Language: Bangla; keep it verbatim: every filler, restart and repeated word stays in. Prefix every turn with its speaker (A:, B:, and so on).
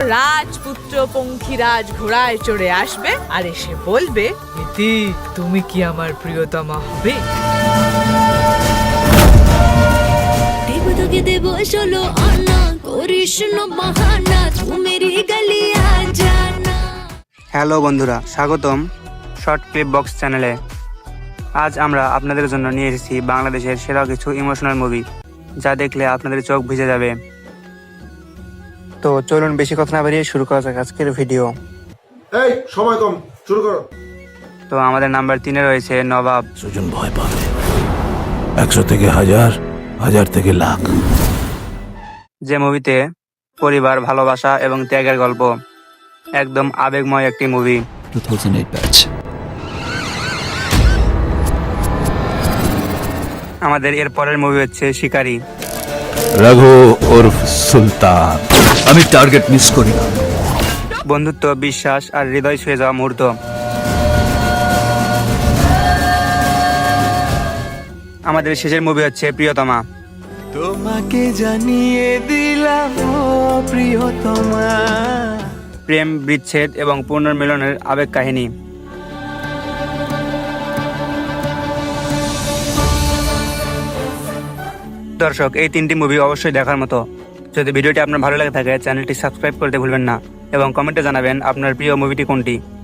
A: রাজপুত্র পঙ্খিরাজ ঘোড়ায় চড়ে আসবে আর এসে বলবে, ইতি তুমি কি আমার প্রিয়তমা হবে?
B: দেব তোকে দেব ষোলো আনা, করিস না বাহানা, তু মেরি গলি আ জানা।
C: হ্যালো বন্ধুরা, স্বাগতম শর্ট ক্লিপ বক্স চ্যানেলে। আজ আমরা আপনাদের জন্য নিয়ে এসেছি বাংলাদেশের সেরা কিছু ইমোশনাল মুভি, যা দেখলে আপনাদের চোখ ভিজে যাবে। তো চলুন বেশি কথা না বাড়িয়ে শুরু করা যাক আজকের ভিডিও।
D: এই সময় কম, শুরু করো।
C: তো আমাদের নাম্বার তিনে রয়েছে নবাব।
E: সুজন ভয় পাবে, একশো থেকে হাজার, হাজার থেকে লাখ।
C: যে মুভিতে পরিবার, ভালোবাসা এবং ত্যাগের গল্প, একদম আবেগময় একটি movie.
E: Two thousand eight batch.
C: আমাদের এর পরের মুভি হচ্ছে শিকারি।
E: রঘু ওরফ সুলতান। আমি টার্গেট মিস করি না।
C: বন্ধুত্ব, বিশ্বাস আর হৃদয় ছুঁয়ে যাওয়া মুহূর্ত। আমাদের শেষের মুভি হচ্ছে প্রিয়তমা।
F: তোমাকে জানিয়ে দিলাম ও প্রিয়তমা।
C: প্রেম, বিচ্ছেদ এবং পুনর্মিলনের আবেগ কাহিনী। দর্শক, এই তিনটি মুভি অবশ্যই দেখার মতো। যদি ভিডিওটি আপনার ভালো লাগে থাকে, চ্যানেলটি সাবস্ক্রাইব করতে ভুলবেন না এবং কমেন্টে জানাবেন আপনার প্রিয় মুভিটি কোনটি।